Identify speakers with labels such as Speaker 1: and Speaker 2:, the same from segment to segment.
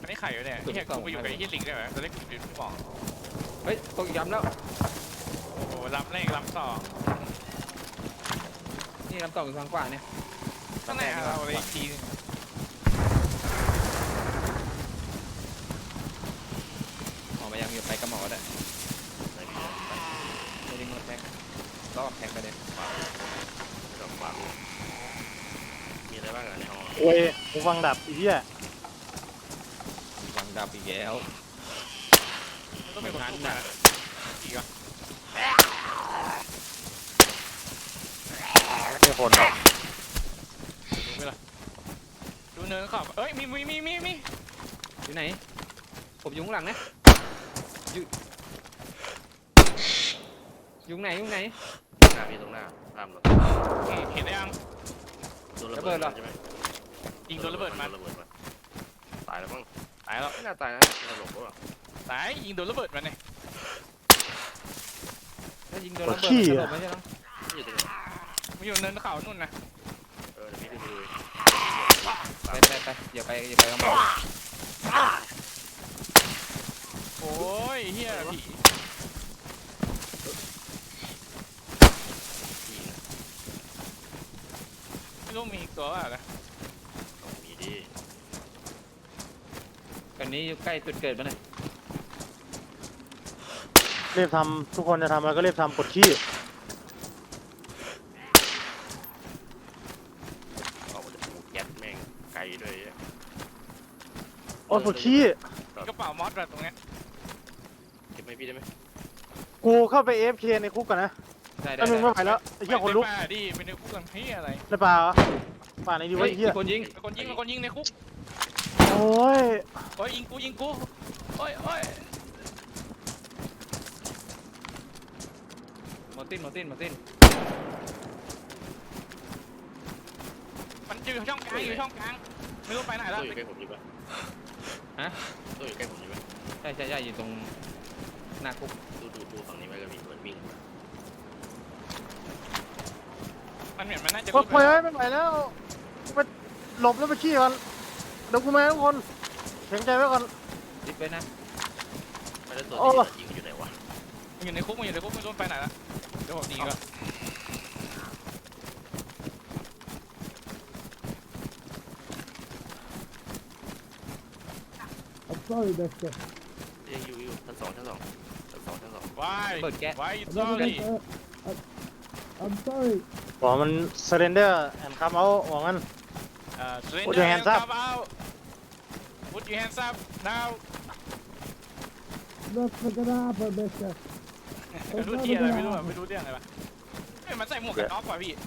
Speaker 1: ไม่ไข่อยู่เนี่ยเนี่ยกูไปอยู่กับไอ้ยี่ลิงได้ไหมจะได้กูยืนบอก
Speaker 2: เฮ้ยตกย้ำแล้ว
Speaker 1: โอ้โหล้ำแรกล้ำต่อ
Speaker 2: นี่ล้ำต่ออยู่ทางขวาเนี่ย
Speaker 1: ตั้งแต่เราเลยอีกที
Speaker 2: หมอมายังอยู่ไปกับหมอได้ไม่ได้งดแทงรอบแทงไปเลย
Speaker 3: มีอะไรบ้างในห้อง
Speaker 4: โอ้ยกูฟังดับอีเหี้ย
Speaker 2: ฟังดับอีกแล้ว
Speaker 1: ต้องเป็นคนทุกข์นะอีกอ่ะ
Speaker 4: ไม่คนหรอก
Speaker 1: ดูไหมล่ะดูเนินขอบเอ้ยมี
Speaker 2: อยู่ไหนผมอยู่ข้างหลังนะอยู่ไหน
Speaker 3: หน้าพี่ตรงหน้าตามรถ
Speaker 1: เห็นได้ยัง
Speaker 3: โดนระเบิดใช่ไหม
Speaker 1: ยิงโดนระเบิดมา
Speaker 3: ตายแล้วมั้ง
Speaker 1: ตายแล้ว
Speaker 3: ไม่น่าตายนะเราหลบก็
Speaker 1: ตายยิงโดนระเบิดมาเนี่ย
Speaker 2: ถ้ายิงโดนระเบิดสลบไม่ใช่หรอ
Speaker 1: มันอยู่เนินเขานู่นนะ
Speaker 3: เดี๋ยวพี่ดู
Speaker 2: ไปอย่าไปกับหมอ
Speaker 1: โอ้ยเฮียผีไม่รู้มีอีกตัวอะไร
Speaker 3: มีดิ
Speaker 2: ตอนนี้อยู่ใกล้จุดเกิดมั้ยเนี่ย
Speaker 4: รีบทำทุกคนจะทำอะไรก็รีบทำกดขี้
Speaker 3: เอาจะปูแก๊สแม่งไกลด้วย
Speaker 4: โอ้ยกดขี้
Speaker 1: กระเป๋ามอสแบบตรงเนี้ย
Speaker 3: เก็บไม่พี่ได้ไหม
Speaker 4: กูเข้าไป AFK ในคุกก่อนนะถ้ามึงไม่ไหวแล้วไอ้เหี้ยคนลุก
Speaker 1: ดิเป็นในคุกกันพี่อะไร
Speaker 4: ในป่าเหรอป่าไหนดีวะไอ้เหี้ย
Speaker 2: คนยิง
Speaker 1: ในคุก
Speaker 4: โอ้ย
Speaker 1: ยิงกูโอ้ย
Speaker 2: มาติ้นมัน
Speaker 1: อยู่ช่องกลางไม่รู้ไปไหนแล้ว
Speaker 3: ตัวอยู่ใกล้ผมอยู่ปะ
Speaker 2: ฮะ
Speaker 3: ตัวอยู่ใกล้ผมอยู่ปะ
Speaker 2: ใช่อยู่ตรงหน้าคุก
Speaker 3: ดูฝั่งนี้ไว้ก็มีเหมือนวิ่ง
Speaker 1: มันเหมือนมันน่าจะ
Speaker 4: กดปล่อยไว้ไม่ไหวแล้วไปหลบแล้วไปขี้ก่อนเดี๋ยวกูมาทุกคนแข็งใจไว้ก่อน
Speaker 2: ติดไว้นะ
Speaker 3: ไม่ได้ตัวยิงอยู่ไหนวะ
Speaker 1: มันอยู่ในคุกไม่รู้ไปไหนแล้วเดี๋ยวผมหนีก่อน
Speaker 3: ยังอยู่ชั้นสอง
Speaker 1: Why you sorry
Speaker 5: I'm sorry
Speaker 4: บอกมัน surrender and come out บอกงั้น
Speaker 1: Put your hands up Put your hands up now
Speaker 5: Not gonna happen mister
Speaker 1: ไม่รู้เรื่องอะไรปะมันใส่หมวกกันน็อกว่ะพี่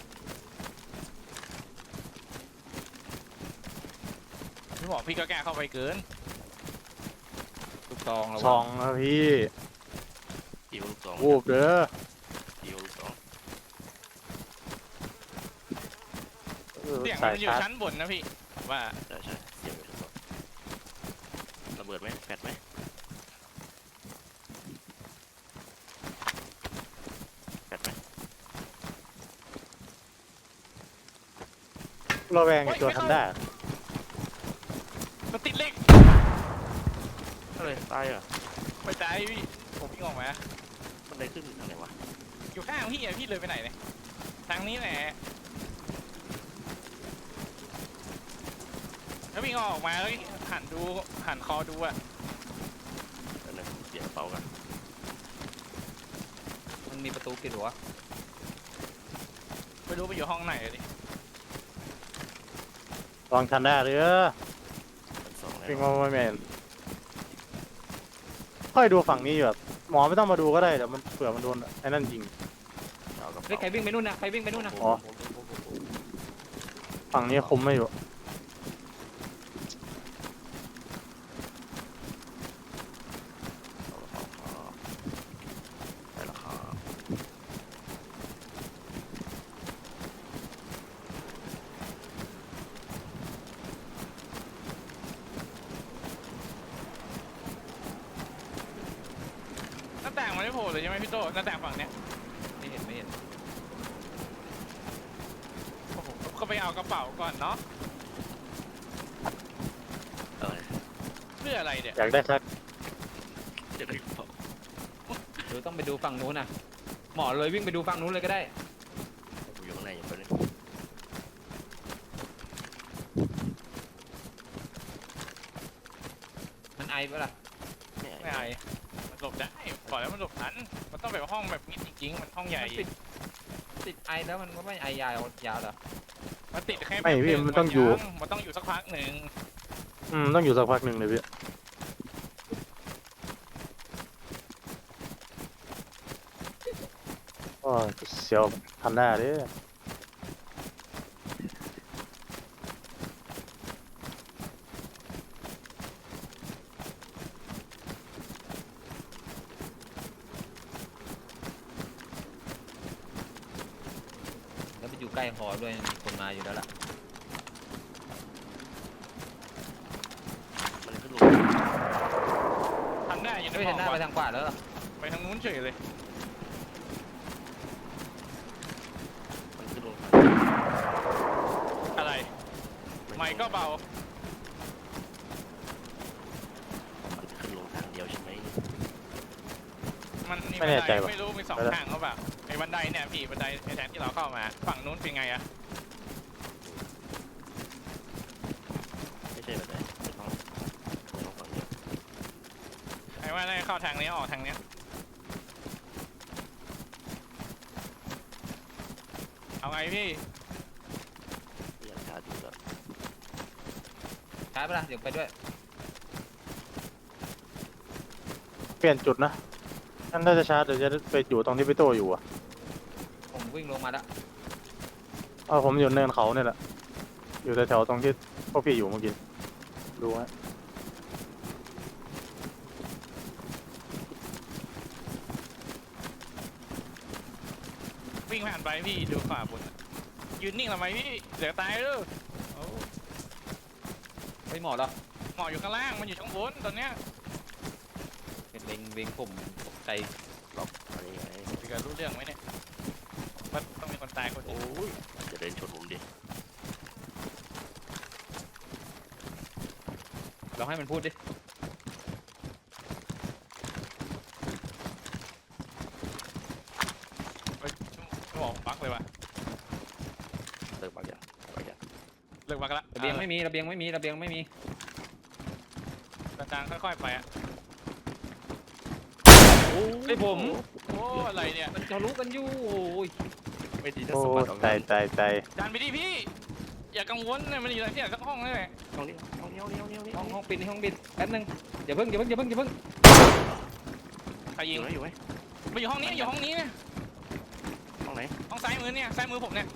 Speaker 1: พี่บอกพี่ก็แก้เข้าไปเกิน
Speaker 2: ลูกซอง
Speaker 4: ซองนะพี่
Speaker 3: ลูกซอง
Speaker 4: วูบเด้อ
Speaker 3: ลูกซอง
Speaker 1: เสียงมันอยู่ชั้นบนนะพี่ว่า
Speaker 3: ใช่เสียงอยู่ชั้นบนระเบิดไหมแฟดไหม
Speaker 4: เราแวงตัวทำได้
Speaker 1: มันติดเล็ก
Speaker 3: อะไรตายอ่ะ
Speaker 1: ไปตายพี่ผมวิ่งออกมา
Speaker 3: มันได้ขึ้นทางไหนวะ
Speaker 1: อยู่ข้างพี่เลยไปไหนเนี่ยทางนี้แหละถ้าวิ่งออกมาแล้วหันคอดูอะ
Speaker 3: เดี๋ยวเป่ากัน
Speaker 2: มันมีประตูปิดหัว
Speaker 1: ไม่รู้ไปอยู่ห้องไหนเลย
Speaker 4: ลองทันได้หรือปิงมาไม่แมนค่อยดูฝั่งนี้อยู่แบบหมอไม่ต้องมาดูก็ได้เดี๋ยวมันเผื่อมันโดนไอ้นั่นยิง
Speaker 2: ใครวิ่งไปนู่นนะ
Speaker 4: อ๋อฝั่งนี้คุมไม่อยู่
Speaker 1: หน้าต่างมันไม่โผล่เลยใช่ไหมพี่โตหน้าต่างฝั่งเนี้ย
Speaker 2: ไม่เห็น
Speaker 1: โอ้โหก็ไปเอากระเป๋าก่อนเนาะ
Speaker 3: ไม่
Speaker 1: พื่ออะไรเนี่ย
Speaker 4: อยากได้สัก
Speaker 3: จะได้บอก
Speaker 2: หรือต้องไปดูฝั่งนู้นน่ะหมอเลยวิ่งไปดูฝั่งนู้นเลยก็ได้
Speaker 3: กูอยู่ข้างในอยู่คนนึง
Speaker 2: มันไอปะล่ะ
Speaker 1: ไม่ไอมันหลบได้บอกแล้วมันหลบทันมันต้องแบบห้องแบบนี้จริงๆมันห้องใหญ่
Speaker 2: มันติดไอแล้วมันก็ไม่ไอยาวเหรอ
Speaker 1: มันติดแค่
Speaker 4: ไม่พี่มันต้องอยู่
Speaker 1: มันต้องอยู่สักพักหนึ่ง
Speaker 4: ต้องอยู่สักพักหนึ่งเลยพี่โอ้ยเสียวทันได้เด้
Speaker 2: แล้วไปอยู่ใกล้หอด้วยมีคนมาอยู่แล้วล่ะ
Speaker 3: มันขึ้นลง
Speaker 1: ทันได้อยู่ใน
Speaker 2: ไม่
Speaker 1: ห้
Speaker 2: เห็
Speaker 1: อน ง
Speaker 2: หน้าไปทางขวาแล้วเหรอ
Speaker 1: ไปทางนู้นเฉยเลย
Speaker 3: มันขึ้นลง
Speaker 1: อะไรไม่ก็เบา
Speaker 3: มันขึ้นลงทางเดียวใช่ไหม
Speaker 1: มันนี่
Speaker 4: ไม่แน่ใจว่ะ
Speaker 1: ไม่รู้มีสองทางเขาแบบไอ้บันไดเนี่ยพี่บันไดไอ้แทนที่เราเข้ามาฝั่งนู้นเป็นไงอะ
Speaker 3: ไม่ใช่แบบไหนไม่ต้องฝั่งเดียว
Speaker 1: ไอ้ว่าได้เข้าทางนี้ออกทางเนี้ยเอาไงพี่
Speaker 3: อยากชาร์จอยู่แล้ว
Speaker 2: ช้าปะล่ะเดี๋ยวไปด้วย
Speaker 4: เปลี่ยนจุดนะนั่นถ้าจะชาร์จเดี๋ยวจะไปอยู่ตรงที่พี่โตอยู่อ่ะ
Speaker 2: ผมวิ่งลงมาแล้ว
Speaker 4: ผมอยู่เนินเขาเนี่ยแหละอยู่แถวๆตรงที่พวกพี่อยู่เมื่อกี้ดูฮะ
Speaker 1: วิ่งผ่านไปพี่ดูขวาบนอะยืนนิ่งทำไมพี่เดี๋ยวตายเลยโอ้
Speaker 2: ไปหมอเหรอ
Speaker 1: หมออยู่ข้างล่างมันอยู่ข้างบนตอนเนี้ย
Speaker 2: เป็นเล็งผมตกใจ
Speaker 3: ล็อกอะไรไง
Speaker 1: พี่ก็รู้เรื่องไหมเนี่ยมันต้องมีคนตายคนหนึ่ง
Speaker 3: โอ้ยจะเดินชนผมดิ
Speaker 2: ลองให้มันพูดดิ
Speaker 1: เฮ้ยชั่วโมงบักเลยว่ะ
Speaker 3: เลิกปากอย่างปากอย่าง
Speaker 1: เลิกบักละ
Speaker 2: ระเบียงไม่มีระเบียงไม่มีระเบียงไม่มี
Speaker 1: จางๆค่อยๆไปอ่ะ
Speaker 2: ไอ้ผม
Speaker 1: โอ้อะไรเนี่ย
Speaker 2: มันจะรู้กันอยู่โอ้ย
Speaker 3: ไม่ดีถ้า
Speaker 4: โอ้
Speaker 3: สมบัติออก
Speaker 4: ใจ
Speaker 3: งาน
Speaker 4: ใจ
Speaker 1: จานไปดิพี่ อย่ากังวลนะมันอยู่ที่ไหนสักห้องนั่นแหละ
Speaker 3: ห้องนี้ห้องนี้ห้องนี้ห้องนี้
Speaker 2: ห้องปิดห้องปิดแป๊บนึงอย่าเพิ่ง
Speaker 1: ใคร
Speaker 3: อ
Speaker 1: ยิง
Speaker 3: ยู่ไหมอยู่ไหม
Speaker 1: มาอยู่ห้องนี้อยู่ห้องนี้เนี่ย
Speaker 3: ห้องไหน
Speaker 1: ห้องซ้ายมือเนี่ยซ้ายมือผมเนี่ย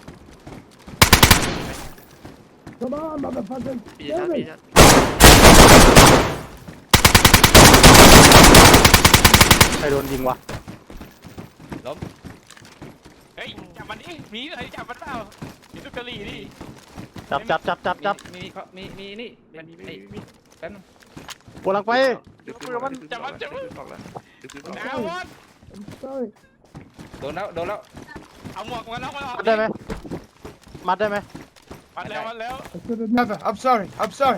Speaker 5: Come on, motherfucker.
Speaker 3: พี่ชาร์จพี่ชาร์จ
Speaker 4: ใครโดนยิงวะ
Speaker 1: เฮ้ยจับมันดิมีอะไรจับมันเปล่ามีลูกกะหรี่ดิ
Speaker 4: จับ
Speaker 2: มีนี่เป็นไอ้แป๊บนึง
Speaker 4: กำลังไป
Speaker 3: ดึกดึกดึกออกแล้วดึกดึกออก
Speaker 1: ดาวน์
Speaker 5: I'm sorry.
Speaker 2: โดนแล้ว
Speaker 1: เอาหมวกมาแล้วมาออก
Speaker 4: มัดได้ไหมมัดได้ไหม
Speaker 1: มาแล้ว
Speaker 5: I should have never. I'm sorry. I'm sorry.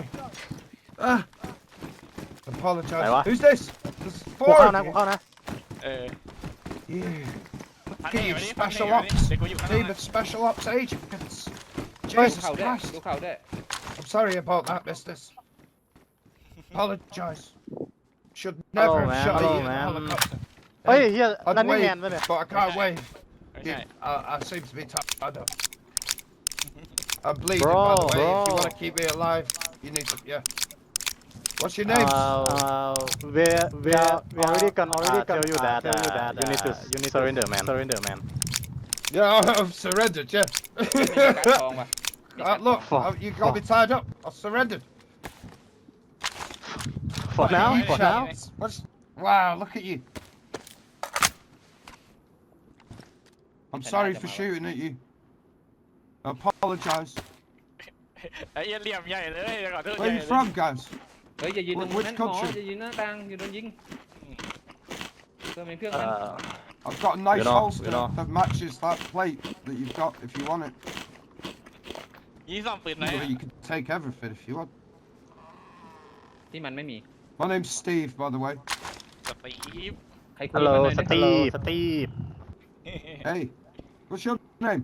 Speaker 5: Apologize.
Speaker 4: Hey, what?
Speaker 5: Who's this? There's
Speaker 4: กู
Speaker 5: four
Speaker 4: เข้า
Speaker 5: of
Speaker 4: นะกู
Speaker 5: you.
Speaker 4: เข้านะ
Speaker 5: Yeah.
Speaker 1: พัน
Speaker 5: Team
Speaker 1: เอก
Speaker 5: Special
Speaker 1: เด็ก
Speaker 5: Ops.
Speaker 1: กูอยู่ข้าง
Speaker 5: Team
Speaker 1: ล่าง
Speaker 5: of Special Ops agents.
Speaker 2: ดู
Speaker 5: Jesus
Speaker 2: เข่าด้วย
Speaker 5: Christ.
Speaker 2: ดูเข่าด้วย
Speaker 5: I'm sorry about that, mister. Apologize. Should
Speaker 4: Hello,
Speaker 5: never have
Speaker 4: man.
Speaker 5: shot
Speaker 4: Hello,
Speaker 5: you in the
Speaker 4: man.
Speaker 5: helicopter.
Speaker 4: เฮ้ยเฮีย
Speaker 5: I'd
Speaker 4: นั่นนี่แม
Speaker 5: wave,
Speaker 4: นปะเนี่ย
Speaker 5: but I can't wave.
Speaker 1: ไม่ใช่
Speaker 5: I seem to be tied up. I'm bleeding,
Speaker 4: Bro,
Speaker 5: by the way. If you
Speaker 4: bro.
Speaker 5: want to keep me alive, you need to, yeah. What's your name?
Speaker 4: we already tell you that you need to surrender man
Speaker 5: Yeah, I've surrendered, yeah.
Speaker 2: มีการทองป่ะ
Speaker 5: Look,
Speaker 4: Fuck.
Speaker 5: you got me tied up. I surrendered.
Speaker 4: for now
Speaker 5: You
Speaker 4: for
Speaker 5: shut-
Speaker 4: now
Speaker 5: Wow, look at you. I'm
Speaker 2: Can
Speaker 5: sorry
Speaker 2: I
Speaker 5: for
Speaker 2: come out?
Speaker 5: shooting at you. I apologise.
Speaker 1: ไอ้เหี้ยเหลี่ยมใหญ่เลยขอโทษให
Speaker 5: Where
Speaker 1: ญ่
Speaker 5: are you
Speaker 1: เลย
Speaker 5: from, guys?
Speaker 2: เฮ้ยอย่ายืนตรงนั้น
Speaker 5: Which
Speaker 2: หมอ
Speaker 5: country?
Speaker 2: อย่ายืนหน้าต่างอย่าโดนยิงเพื่อมีเครื่องมัน
Speaker 5: I've got a nice
Speaker 4: know,
Speaker 5: holster
Speaker 4: you know.
Speaker 5: that matches that plate that you've got if you want it.
Speaker 1: ยี่ซ่อมปืนไหน
Speaker 5: You can take everything if you want.
Speaker 2: ที่มันไม่มี
Speaker 5: My name's Steve, by the way.
Speaker 1: สตีฟ
Speaker 2: ใครคุย
Speaker 4: ฮัลโหล
Speaker 2: กันหน่อย
Speaker 4: ส
Speaker 2: นะ
Speaker 4: ตีฟสตีฟ
Speaker 5: Hey, what's your name?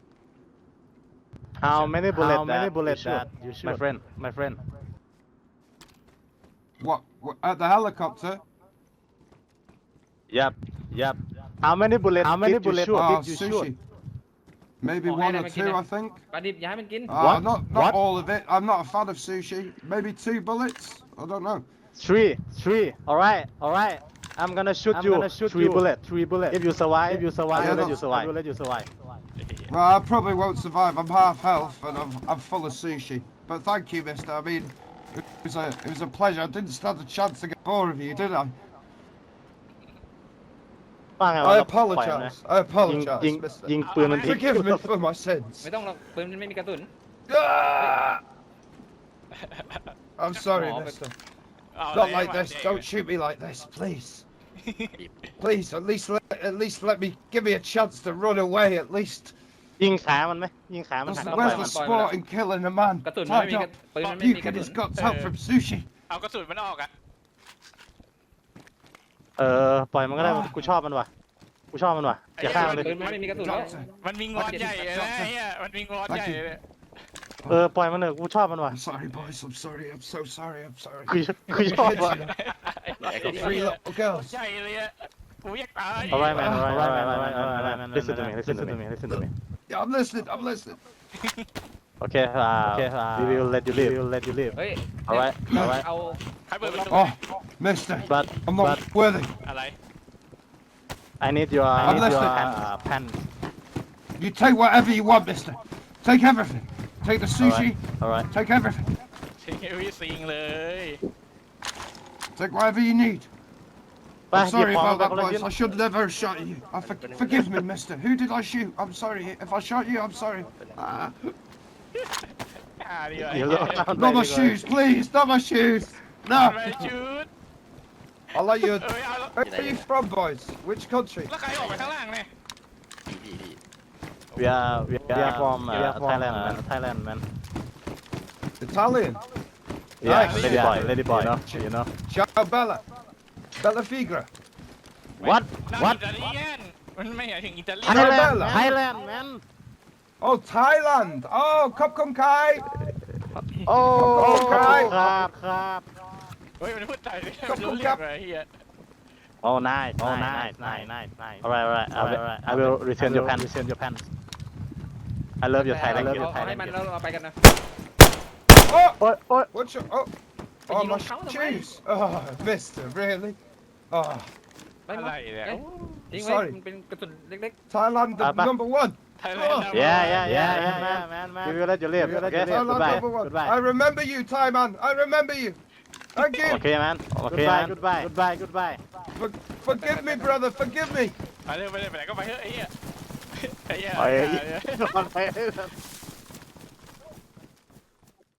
Speaker 4: How many bullets that you shoot my friend
Speaker 5: What at the helicopter?
Speaker 4: Yep How many bullets
Speaker 5: Oh,
Speaker 4: did you
Speaker 5: sushi.
Speaker 4: shoot
Speaker 5: Maybe
Speaker 2: Oh,
Speaker 5: one
Speaker 2: hey,
Speaker 5: or
Speaker 2: let me
Speaker 5: two,
Speaker 2: get
Speaker 5: I think.
Speaker 2: ปลาดิบอย่าให้มันกิน
Speaker 4: What?
Speaker 5: Not
Speaker 4: What?
Speaker 5: all of it. I'm not a fan of sushi. Maybe 2 bullets. I don't know.
Speaker 4: Three alright I'm gonna shoot you three bullets if you survive
Speaker 5: Yeah,
Speaker 4: I will let you survive
Speaker 5: Well, I probably won't survive. I'm half health and I'm full of sushi. But thank you, mister. I mean, it was a pleasure. I didn't stand a chance to get more of you, did I?
Speaker 4: ว่าไงวะ
Speaker 5: I
Speaker 4: เราปล่อยมันนะ
Speaker 5: apologize. I apologize,
Speaker 4: ยิง
Speaker 5: mister.
Speaker 4: ยิงปืนมันทิ้ง
Speaker 5: Forgive me for my sins.
Speaker 2: ไม่ต้องหรอกปืนมันไม่มีกระสุน
Speaker 5: Ah! I'm sorry,
Speaker 2: Oh,
Speaker 5: mister.
Speaker 1: เอา
Speaker 5: Not
Speaker 1: เลย
Speaker 5: like this. Don't shoot me like this, please. Please, at least let me give me a chance to run away. At least.
Speaker 4: ยิงขามันไหมยิงขามัน
Speaker 5: Where's
Speaker 4: หัน
Speaker 5: the,
Speaker 4: มาปล่อย
Speaker 5: where's
Speaker 4: มั
Speaker 5: the
Speaker 4: น
Speaker 5: sport in killing a man?
Speaker 2: กระสุนมันไม่
Speaker 5: Tied
Speaker 2: มี
Speaker 5: up.
Speaker 2: ปืนมันไม่
Speaker 5: You
Speaker 2: มีกระ
Speaker 5: get
Speaker 2: สุ
Speaker 5: his
Speaker 2: น
Speaker 5: guts out from sushi.
Speaker 1: เอากระสุนมันออกอะ
Speaker 4: ปล่อยมันก็ได้กูชอบมันว่ะอย่าฆ่ามันเลย
Speaker 2: ปืนมันไม่มีกระสุนแล้ว
Speaker 5: Doctor,
Speaker 1: มันมีงอนใหญ่เลยนะไอ้เหี้ยมันมีงอนใหญ่เลย
Speaker 4: ปล่อยมันเถอะกูชอบมันว่ะ
Speaker 5: I'm sorry, boys. I'm sorry. I'm so sorry. I'm sorry.
Speaker 4: กูชอบว่ะ
Speaker 5: Three little girls.
Speaker 1: ใหญ่เลยอะกูอยากตาย
Speaker 4: alright man listen to me
Speaker 5: Yeah, I'm listening. I'm listening.
Speaker 4: okay we will let you live
Speaker 2: เฮ้ย
Speaker 4: alright
Speaker 2: เอา
Speaker 1: ใครเปิดประตู
Speaker 5: Oh, mister.
Speaker 4: but
Speaker 5: I'm not worthy.
Speaker 1: อะไร
Speaker 4: I need your
Speaker 5: listening.
Speaker 4: pants
Speaker 5: You take whatever you want, mister. Take everything. Take the sushi.
Speaker 4: alright
Speaker 5: Take everything.
Speaker 1: ทิ้งวิสิงเลย
Speaker 5: Take whatever you need.
Speaker 4: ไป
Speaker 5: I'm
Speaker 4: หยิบ
Speaker 5: sorry
Speaker 4: ของ
Speaker 5: about
Speaker 4: ไป
Speaker 5: that,
Speaker 4: คนละชิ้น
Speaker 5: boys. I should never have shot at you. Forgive me, mister. Who did I shoot? I'm sorry. If I shot you, I'm sorry.
Speaker 1: ดีกว่า
Speaker 4: เดี๋ยวเราเอาไป
Speaker 5: Not
Speaker 4: ดี
Speaker 5: my
Speaker 4: กว่า
Speaker 5: shoes, please. Not my shoes.
Speaker 1: ไม่
Speaker 5: No.
Speaker 1: ชุด
Speaker 5: I'll let you.
Speaker 1: เอ้ยเอาแล้ว
Speaker 5: Where are you from, boys? Which country?
Speaker 1: แล้วใครออกไปข้างล่างเนี่ย
Speaker 4: we are from Thailand man
Speaker 5: Italian.
Speaker 4: yeah
Speaker 5: Nice.
Speaker 4: lady boy you know
Speaker 5: Ciao, Bella. Bella Figra.
Speaker 4: what
Speaker 1: นั่งอิตาเลียนมันไม่หมายถึงอิตาเลียน
Speaker 4: Thailand man
Speaker 5: Oh, Thailand. Oh, Kopkum Kai.
Speaker 4: โอ้
Speaker 5: ครับ
Speaker 4: ครับ
Speaker 1: เฮ้ยมันพูดไทยเลยมันรู้เรื่องอะไรเฮีย
Speaker 4: Oh, nice. Alright. I will return your pants. I love your Thailand.
Speaker 2: เอาให้มันแล้วเราไปกันนะ
Speaker 5: Oh,
Speaker 4: โอ๊ย
Speaker 5: what's your... Oh, oh my shoes. Oh, mister, really? Oh,
Speaker 2: ไม่
Speaker 1: อะไรเนี่ย
Speaker 2: ทิ้งไว้
Speaker 5: Sorry.
Speaker 2: มันเป็นกระสุนเล็ก
Speaker 5: Thailand, the
Speaker 4: Bye.
Speaker 5: number one.
Speaker 1: ไทยแลนด์
Speaker 4: Yeah, man. We will let you live. Okay,
Speaker 5: Thailand, number one. I remember you, Thai man. I remember you. Thank you.
Speaker 4: Okay, man. Goodbye.
Speaker 5: Forgive me, brother. Forgive me.
Speaker 1: ไปเลยไปไหนก็ไปเถอะไอ้เหี้ยไอ้เหี้ย
Speaker 4: ไป
Speaker 1: อย่า